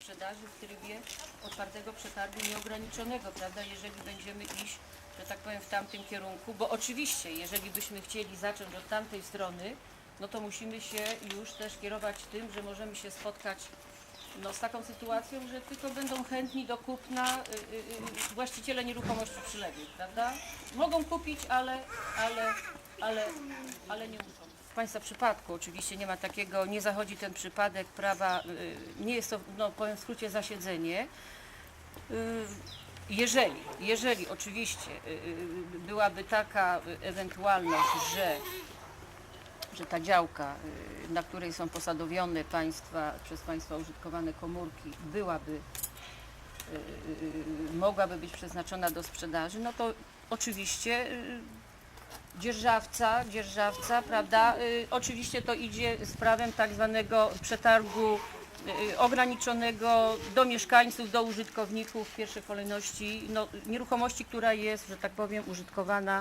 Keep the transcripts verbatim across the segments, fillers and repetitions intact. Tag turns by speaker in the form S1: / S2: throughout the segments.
S1: sprzedaży w trybie otwartego przetargu nieograniczonego, prawda, jeżeli będziemy iść, że tak powiem, w tamtym kierunku, bo oczywiście, jeżeli byśmy chcieli zacząć od tamtej strony, no to musimy się już też kierować tym, że możemy się spotkać no, z taką sytuacją, że tylko będą chętni do kupna y, y, y, właściciele nieruchomości przyległych, prawda? Mogą kupić, ale, ale, ale, ale nie muszą. W Państwa przypadku oczywiście nie ma takiego, nie zachodzi ten przypadek prawa, y, nie jest to, no, powiem w skrócie, zasiedzenie. Y, jeżeli, jeżeli oczywiście y, y, byłaby taka ewentualność, że że ta działka, na której są posadowione państwa, przez państwa użytkowane komórki, byłaby, mogłaby być przeznaczona do sprzedaży, no to oczywiście dzierżawca, dzierżawca, prawda, oczywiście to idzie z prawem tak zwanego przetargu ograniczonego do mieszkańców, do użytkowników w pierwszej kolejności, no, nieruchomości, która jest, że tak powiem, użytkowana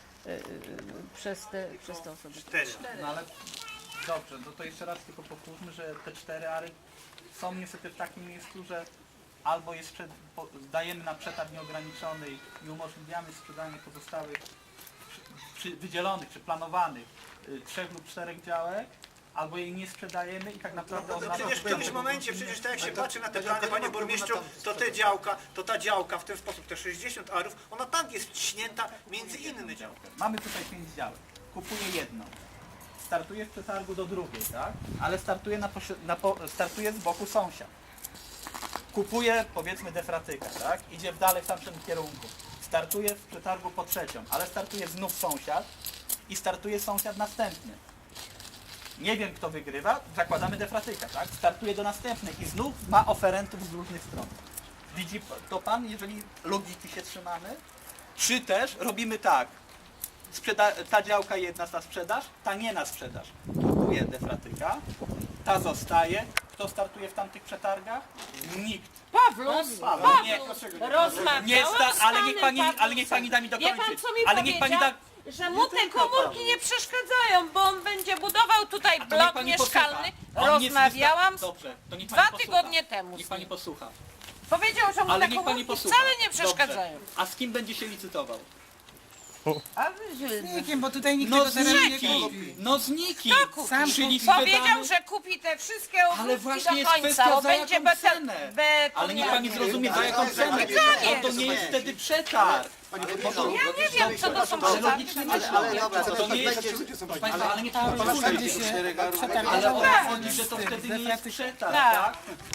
S1: przez te, przez te osoby.
S2: Cztery.
S3: No ale dobrze, no to jeszcze raz tylko powtórzmy, że te cztery ary są niestety w takim miejscu, że albo jest przed, po, dajemy na przetarg nieograniczony i umożliwiamy sprzedanie pozostałych przy, przy, wydzielonych czy planowanych y, trzech lub czterech działek, albo jej nie sprzedajemy i tak naprawdę
S2: No
S3: oznacza,
S2: przecież w
S3: że
S2: którymś momencie, przecież tak jak się patrzy na te plany, panie burmistrzu, to te działka, to ta działka w ten sposób, te sześćdziesiąt arów, ona tak jest wciśnięta między inne działki.
S3: mamy tutaj pięć działek, kupuję jedną, startuję w przetargu do drugiej, tak? Ale startuję, na, na po, startuję z boku sąsiad. Kupuję, powiedzmy, defratyka, tak? Idzie w dalej w tamtym kierunku. Startuję w przetargu po trzecią, ale startuje znów sąsiad i startuje sąsiad następny. Nie wiem, kto wygrywa, zakładamy defratyka, tak? Startuje do następnej i znów ma oferentów z różnych stron. Widzi to pan, jeżeli logiki się trzymamy? Czy też robimy tak, sprzeda ta działka jedna na sprzedaż, ta nie na sprzedaż. Kupuje defratyka, ta zostaje. Kto startuje w tamtych przetargach? Nikt.
S4: Pawlus,
S3: Paweł, nie,
S4: rozmawiałam
S3: nie sta,
S4: z
S3: ale
S4: panem
S3: niech pani, ale
S4: Pawlusem.
S3: niech pani da mi
S4: Wie
S3: dokończyć.
S4: pan, co mi
S3: ale niech pani
S4: powiedział?
S3: da.
S4: Że mu te komórki nie przeszkadzają, bo on będzie budował tutaj
S3: To niech
S4: blok
S3: pani
S4: mieszkalny.
S3: posłucha. On nie
S4: Rozmawiałam
S3: wysta- Dobrze, to niech
S4: dwa
S3: pani posłucha.
S4: tygodnie temu
S3: Niech
S4: z
S3: pani
S4: nim.
S3: posłucha.
S4: Powiedział, że mu
S3: Ale
S4: te
S3: niech pani
S4: komórki
S3: posłucha.
S4: wcale nie przeszkadzają.
S3: Dobrze. A z kim będzie się licytował?
S4: A wy, że...
S5: Nikim, bo tutaj nikt
S3: No
S5: tego
S3: z
S5: terenu nie
S3: nikim!
S5: kupi.
S3: No z nikim!
S4: Kto kupi?
S5: Sam
S3: Czyli
S5: kupi.
S4: Powiedział,
S3: sprzedamy-
S4: że kupi te wszystkie
S3: Ale
S4: ogródki
S3: właśnie
S4: do
S3: jest
S4: końca,
S3: kwestia
S4: bo
S3: za
S4: będzie
S3: jaką
S4: beton,
S3: cenę.
S4: beton.
S3: Ale niech pani zrozumie, za jaką
S2: Ale-
S3: cenę.
S2: ale-
S4: ale-
S3: To, to nie jest wtedy przetarg.
S4: Ja nie wiem, co to są
S3: Ale
S4: przetargi.
S3: logicznie myślę. To nie jest... Proszę państwa, ale niech pani posłucha.
S5: Będzie się
S3: Ale
S5: przetargował
S3: o to chodzi, że to
S5: z
S3: wtedy nie jest
S5: defratyką.
S3: przetarg,
S4: Tak.
S3: tak?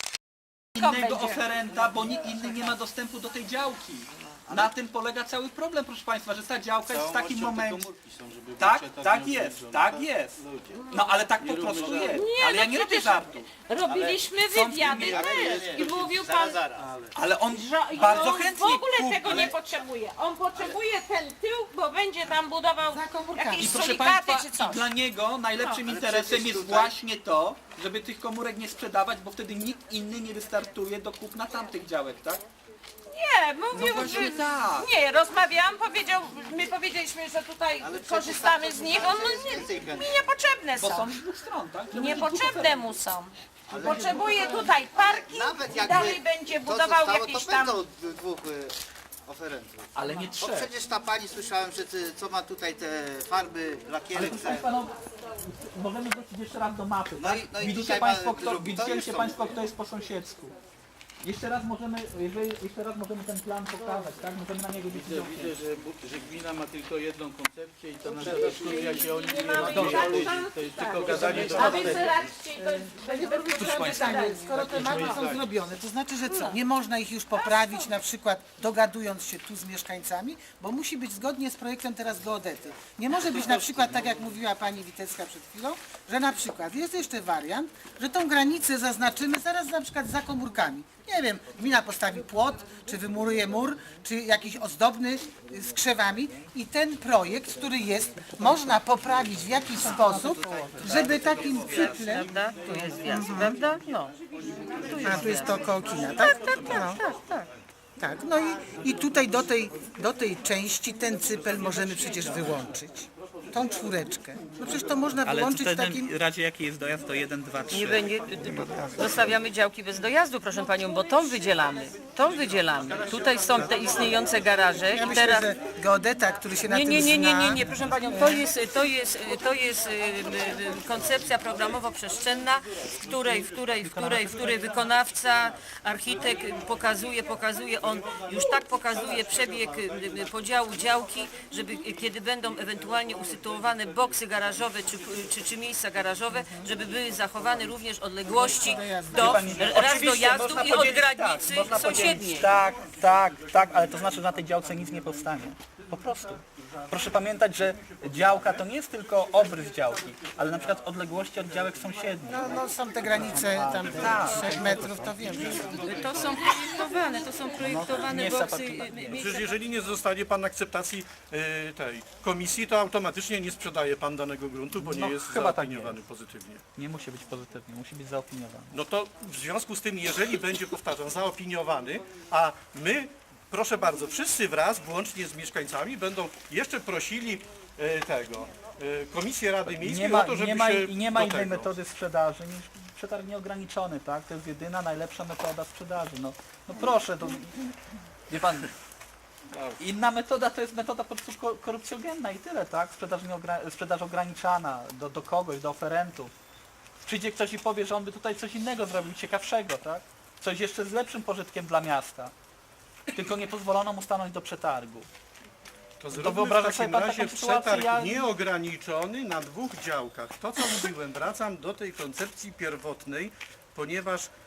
S3: Innego
S4: będzie.
S3: oferenta, bo nikt inny nie ma dostępu do tej działki. Na tym polega cały problem, proszę państwa, że ta działka jest w takim momencie. Tak, tak jest, tak jest. No ale tak po prostu jest. Ale ja nie robię żartu.
S4: Robiliśmy
S3: są
S4: wywiady
S3: filmy,
S4: też i mówił pan,
S3: Ale on
S4: że
S3: bardzo
S4: on w
S3: chętnie
S4: ogóle
S3: kupi.
S4: tego nie potrzebuje. On potrzebuje ten tył, bo będzie tam budował
S5: Za komórkami.
S4: jakieś
S3: I proszę
S4: solikaty
S3: państwa,
S4: czy coś.
S3: i dla niego najlepszym interesem jest właśnie to, żeby tych komórek nie sprzedawać, bo wtedy nikt inny nie wystartuje do kupna tamtych działek, tak?
S4: Nie, mówił,
S3: No właśnie
S4: że...
S3: tak.
S4: Nie, rozmawiałam, powiedział, my powiedzieliśmy, że tutaj korzystamy z nich, on nie, mi niepotrzebne
S3: Bo są
S4: są.
S3: z dwóch stron, tak? Żeby
S4: Niepotrzebne mu są. Potrzebuje tutaj parking
S6: Nawet
S4: i
S6: jakby
S4: dalej będzie
S6: to
S4: budował
S6: zostało,
S4: jakieś
S6: to
S4: tam...
S6: będą d- dwóch y, oferentów.
S3: Ale nie
S6: Bo
S3: trzech.
S6: przecież ta pani słyszałem, że ty, co ma tutaj te farby,
S3: Ale
S6: lakiery.
S3: proszę państwa, no, możemy wrócić jeszcze raz do mapy,
S6: No
S3: tak?
S6: i- no i
S3: Widzicie
S6: tutaj ma
S3: państwo, kto,
S6: drugi, to
S3: widzicie
S6: już są.
S3: państwo, kto jest po sąsiedzku. Jeszcze raz możemy, jeżeli, jeszcze raz możemy ten plan pokazać, tak? Możemy na niego
S7: Widzę,
S3: widzieć.
S7: widzę że, bu- że gmina ma tylko jedną koncepcję i to na zaskórnia się o nim nie
S4: mamy
S7: rozmawia
S4: żadnych
S7: ludzi.
S4: szans,
S7: To jest
S4: tak.
S7: tylko gadanie do
S4: A wy zobaczcie, to będzie
S5: Pytanie, skoro te mapy są zrobione, to znaczy, że co? Nie można ich już poprawić, na przykład dogadując się tu z mieszkańcami, bo musi być zgodnie z projektem teraz geodety. Nie może być na przykład, tak jak mówiła pani Witecka przed chwilą, że na przykład jest jeszcze wariant, że tą granicę zaznaczymy zaraz na przykład za komórkami. Nie wiem, gmina postawi płot, czy wymuruje mur, czy jakiś ozdobny y, z krzewami i ten projekt, który jest, można poprawić w jakiś sposób, żeby takim cyklem...
S1: Prawda? Tu jest wjazd, prawda? No.
S5: A tu jest to koło kina, tak? Tak, tak,
S1: Tak, tak.
S5: tak. No i, i tutaj do tej, do tej części ten cypel możemy przecież wyłączyć. tą czwóreczkę. No przecież to można
S3: Ale
S5: wyłączyć
S3: w
S5: w takim...
S3: takim razie jaki jest dojazd to jeden, dwa, trzy.
S1: Nie będzie, zostawiamy działki bez dojazdu, proszę panią, bo tą wydzielamy. Tą wydzielamy. Tutaj są te istniejące garaże
S5: Ja
S1: i
S5: myślę,
S1: teraz...
S5: że geodeta, który się na
S1: Nie,
S5: tym
S1: nie, nie, nie, nie,
S5: zna...
S1: nie, proszę panią, to jest, to jest, to jest y, y, y, koncepcja programowo-przestrzenna, w której, w której, w której, w której wykonawca, architekt pokazuje, pokazuje, on już tak pokazuje przebieg y, y, podziału działki, żeby y, kiedy będą ewentualnie usytuowane boksy garażowe czy, czy, czy miejsca garażowe, żeby były zachowane również odległości do, raz
S3: Oczywiście,
S1: dojazdu
S3: można
S1: i od
S3: podzielić,
S1: granicy
S3: tak, można
S1: sąsiedniej.
S3: podzielić, tak, tak, tak, ale to znaczy, że na tej działce nic nie powstanie. Po prostu. Proszę pamiętać, że działka to nie jest tylko obrys działki, ale na przykład odległości od działek sąsiednich.
S5: No, no są te granice tam trzech metrów, to wiem. Że...
S1: To są projektowane, to są projektowane
S3: nie
S1: boksy.
S3: zapatrywać.
S1: y, y,
S8: Przecież
S1: miejsca-
S8: jeżeli nie zostanie pan akceptacji y, tej komisji, to automatycznie nie sprzedaje pan danego gruntu, bo nie
S3: No,
S8: jest
S3: chyba tak
S8: zaopiniowany
S3: jest.
S8: pozytywnie.
S3: Nie musi być pozytywny, musi być zaopiniowany.
S8: No to w związku z tym, jeżeli będzie, powtarzam, zaopiniowany, a my, proszę bardzo, wszyscy wraz, włącznie z mieszkańcami, będą jeszcze prosili e, tego, e, Komisję Rady Miejskiej
S3: Nie ma,
S8: o to, żeby
S3: nie ma,
S8: się
S3: i nie ma
S8: do
S3: innej
S8: tego.
S3: metody sprzedaży niż przetarg nieograniczony, tak? To jest jedyna, najlepsza metoda sprzedaży. No, no proszę, to... Wie pan, inna metoda to jest metoda po prostu ko- korupcjogenna i tyle, tak? Sprzedaż, nieogra- sprzedaż ograniczana do, do kogoś, do oferentów. Przyjdzie ktoś i powie, że on by tutaj coś innego zrobił, ciekawszego, tak? Coś jeszcze z lepszym pożytkiem dla miasta. Tylko nie pozwolono mu stanąć do przetargu.
S8: To zróbmy
S3: wyobraża
S8: w
S3: sobie
S8: takim
S3: pan
S8: razie
S3: taką sytuację,
S8: przetarg
S3: ja-
S8: nieograniczony na dwóch działkach. To, co mówiłem, wracam do tej koncepcji pierwotnej, ponieważ